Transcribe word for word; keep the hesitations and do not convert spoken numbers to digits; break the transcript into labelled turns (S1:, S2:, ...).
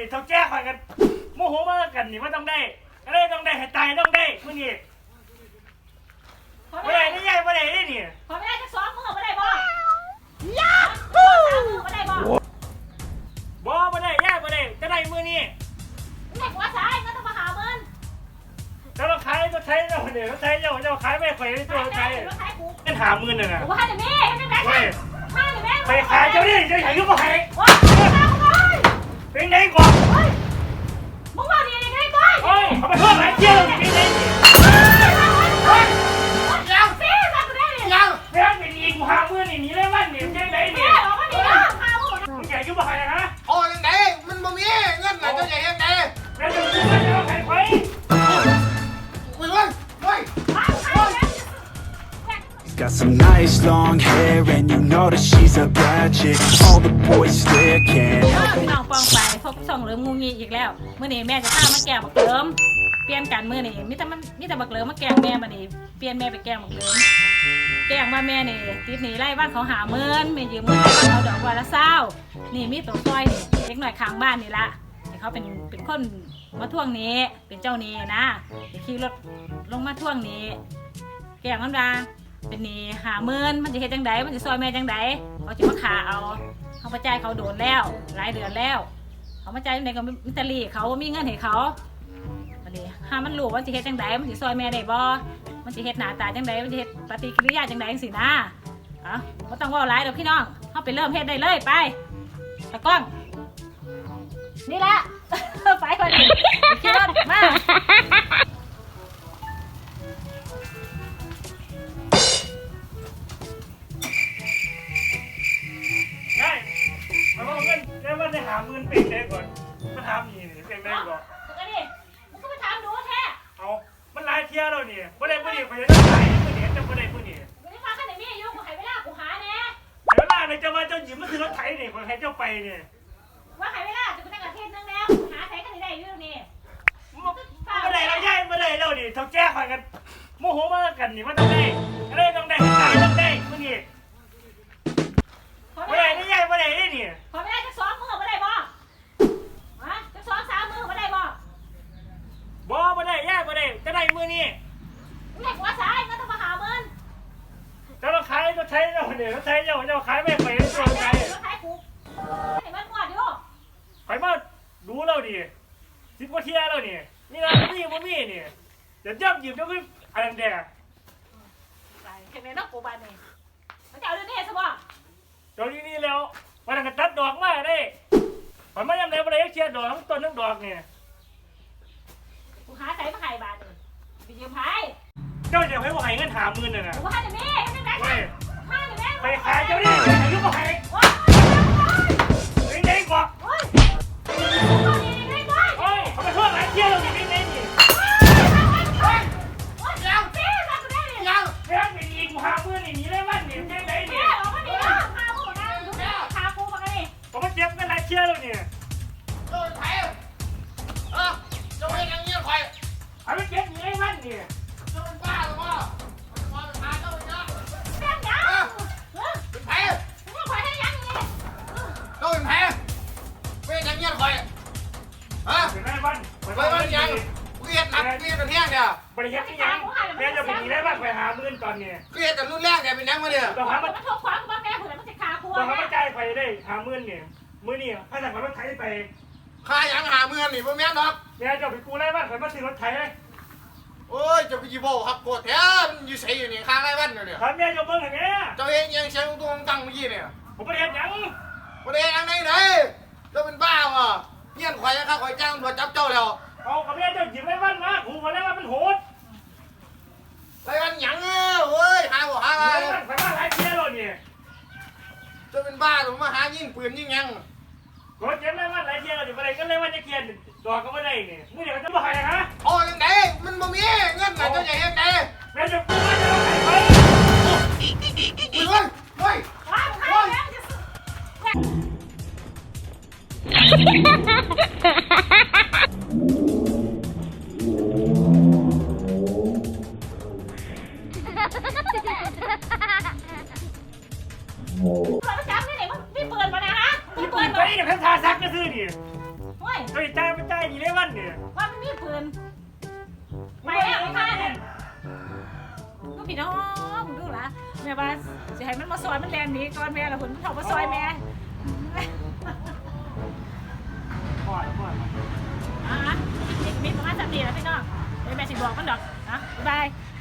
S1: เท่าแก่ข่อยกันโมโหมากันนี่ว่าต้องได้อะไรต้องได้ให้ตายต้องได้มื้อนี้บ่ได้นี่ใหญ่บ่ได้นี่นี่
S2: ขอไม่ได้จะซ้อมมือบ่ได้บ่ยาฮู้บ่ได้บ่
S1: บ่บ่ได้ยายบ่ได้จะได้มื้อนี้
S2: นี่หัวสายก็ต้องมาหาเงิน
S1: ถ้าเราขายก็ใช้เจ้าเนี่ยเราใช้เจ้าเจ้าขายไม่ข่อยตัวใช้เงินหาหมื่นน่ะนะ
S2: ว่าแต่แม่ให้แม่ให้แม่
S1: ไปขายเจ้านี่เจ้าใหญ่ก็บ่ให้เป็นไงก่อน
S2: มึงว่าดียังไงก่อน
S1: โอ้ยเอาไปเพิ่มหลายเที่ยวเป็นไง
S2: ยังสิมากูได้ดิ
S1: ยังแม่เป็นอีกกูหาหมื่นนี่หนีเลยวันนี่จังได๋นี่
S2: แม่บอกว่าดีนะพามึง
S1: มึงใหญ่ก็บ่ให้ฮะ
S3: โอ้จังได๋มันบ่มีเงินน่ะเจ้าใหญ่จังได๋
S1: แม่จะซื้อเจ้าให้ข่อย
S3: อุ้ยเว้ยเว้ย
S4: Got some nice long hair and you know that she's a bad chick. All the boys stare can't help
S2: พี่น้องปองไปพบช่องเริ่มงูงี้อีกแล้วเมื่อนี้แม่จะพามาแกงบักเลิมเปลี่ยนกันเมื่อนี้มิแต่มันมิแต่บักเลิมมาแกงแม่มานี่เปลี่ยนแม่ไปแกงบักเลิมแกงว่าแม่นี่ติดหนีไล่บ้านเขาหาเมินไม่ยืมเงินเขาดอกวันละเศร้านี่มีตัวซอยนี่เล็กหน่อยข้างบ้านนี่ละเขาเป็นเป็นคนมาท่วงนี้เป็นเจ้านี้นะขี่รถลงมาท่วงนี้แกงมันดาเป็นนี่หาเมินมันจะเฮ็ดจังไดมันจะซอยแม่จังไดเขาจะมาขาเอาเขามาจ่ายเขาโดนแล้วหลายเดือนแล้วเขามาจ่ายจังไดก็มิตรลีเขามีเงินให้เขาอันนี้หามันรู้ว่าจะเฮ็ดจังไดมันจะซอยแม่ได้บ่มันจะเฮ็ดหน้าตาจังไดมันจะเฮ็ดปฏิกิริยาจังไดจังซี่นะเอ้าบ่ต้องเว้าหลายดอกพี่น้องเฮาไปเริ่มเฮ็ดได้เลยไปตะก้องนี่แหละไปก่อนดิขี่รถมา
S1: ได้เอาเงินได้ว่าได้หาหมื่นเป็นได้ก่อนมาถามนี่เป็นได้ก่อน
S2: ก็ดิมึงก็ไปถามดูแท้
S1: เอามันหลายเที่ยวแล้วนี่บ่ได้บ่ได้ข่อยจะได้มื้อนี้จะบ่ได้มื้อนี้
S2: มึงได้ฟังกันได้มีอยู่กูให้เวลากูหาแน่
S1: เดี๋ยวล่ะเจ้าว่าเจ้าหยิบมาซื้อรถไถนี่ข่อยให้เจ้าไปนี่
S2: ว่าให้เวลาจะไปตั้งอาทิตย์นึงแล้วหาใช้กันได้อยู่นี่
S1: บ่ได้แล้วยายบ่ได้แล้วนี่เท่าแก่ข่อยกันโมโหมากันนี่ว่าต้องได้อะไรต้องได้ให้ตายต้องได้มื้อนี้บ่ได้นี่ยายบ่ได้นี่
S2: ขอไม่ได้จะซ้อมมือบ่ได้บ่ฮะจะซ้อมสามมือบ่ได้บ่
S1: บ่บ่ได้ยายบ่ได้จะได้มื้อนี้
S2: มึงได้หัวสายก็ต้องมาหาเงิน
S1: เจ้าขายก็ใช้เจ้าเนี่ยใช้เจ้าเจ้าขายไม่ไปตัวใคร
S2: ขายกูเห็นมันหมดอยู่
S1: ข่อยมาดูแล้วดิสิบกว่าเที่ยแล้วนี่นี่นะนี่บ่มีนี่เดี๋ยวย่ำหยิบเดี๋ยวก็อันนั้นแดง
S2: ไปเห็นไหมนกกูบ้านนี่มันจะเอาเรื่องนี้ซะบ่
S1: เจ้านี่นี่แล้ววันนั้นก็ตัดดอกมาได้ข่อยมายามไหนบ่ได้เชียร์ดอกทั้งต้นทั้งดอกนี่
S2: กูหาใส่มาให้บาทนี่ไปยืมไผ
S1: เจ้าจะให้บ่ให้เงินหาหมื่นน่ะนะ
S2: กูหาได้แม่จังได๋มาได้แม่
S1: ไปขายเจ้านี่ให้อยู่บ่ให้เป็นไงกว่า
S2: โอ้ย
S1: โอ้ยเขาไปเพิ่มหลายเที่ยวแล้วนี่เป็นไงนี่
S3: ยังยัง
S1: แม่เป็นอีกกูหาหมื่นนี่หนีเลยวันนี่เป็นไงนี่ผมมาเจ็บกันหลายเที่ยวแล้วนี่
S3: โดนไผเออเจ้าเฮ็ดจังงี้ข่อย
S1: เอาไปเจ็บหนีเลยวันนี่
S3: เจ้าเป็นบ้าหรือบ่บ่พาเจ้าไปเนาะ
S2: แม่งยัง
S3: เป็นไผ
S2: มึงข่อยให้ยังนี่
S3: เจ้าเป็นไผเฮ็ดจังงี้ข่อยฮะ
S1: เป็นไรวัน
S3: ไปวันยังกูเฮ็ดหนักกูเฮ็ดกันแห้งเนี่ย
S1: บริเฮ็ดที่ยังแม่จะเป็นหนีเลยวันไปหาหมื่นตอนนี้
S3: กูเฮ็ดกันรุ่นแรกเนี่ยเป็นยังมาเนี่ย
S1: ต้องหามา
S2: มันทุกความว่าแม่ผู้ใดมันสิขาครัว
S1: ต้องหามาจ่ายไปได้หาหมื่นนี่มื้อนี้ถ้าสั่งรถไถไป
S3: ค่ายังหาเมืองนี่บ่แม่นดอก
S1: แม่เจ้าไปกู้ไรวันข่อยมาซื้อรถไถเลย
S3: โอ้ยเจ้าไปยี่โบครับโกรธแท้มันอยู่ไสอยู่นี่ค่าไรวันเนี่ย
S1: ถามแม่เจ้าเบิ่งให้แม่
S3: เจ้าเฮ็ดยังเสียงตัวตั้งเมื่อกี้เนี่ย
S1: ผมบ่ได้เฮ็ดหยัง
S3: บ่ได้อันไหนไหนเจ้าเป็นบ้าวะเงี้ยนข่อยนะครับข่อยจ้างตำรวจจับเจ้าแล้ว
S1: เอากับแม่เจ้าหยิบไรวันมาขู่กันแล้วว่ามันโหด
S3: ไรวันหยังเอ้ยเว้ยหาบ่หาอะไร
S1: ไรวันข่อยมาหลายเที่ยวแล้วนี่
S3: เจ้าเป็นบ้าหรือมาหายิงปืนยิงยัง
S1: รถเจ็บไรวันหลายเที่ยวแล้วนี่บ่ได้ก็เลยว่าจะเขียนดอกก็บ่ได้นี่มื้อนี้ก็จะบ่ให้ฮะ
S3: โอ้จังได๋มันบ่มีเงินน่ะเจ้าจะเฮ็ดได
S1: แม่จะกู้มาจะให้ไป
S3: เฮ้ยเฮ้ย
S2: ว้าวใครแม่จะเราไปจับนี่ไหนมึงมีปืนมานะฮะมีปืน
S1: ไปนี่เพิ่นทาซักก็ซื้อนี่
S2: เฮ้ย
S1: เฮ้ยเนี่ย
S2: ว่ามันมีปืนไปแล้วค่ะเนี่ยลูกพี่น้องดูละแม่ว่าสิให้มันมาซอยมันแลนหนีก่อนแม่ละคุณมันเข้ามาซอยแม่
S1: พ่อพ่อ
S2: อ่ะมีประมาณสามปีแล้วพี่น้องเดี๋ยวแม่สิบอกมันดอกนะบ๊ายบาย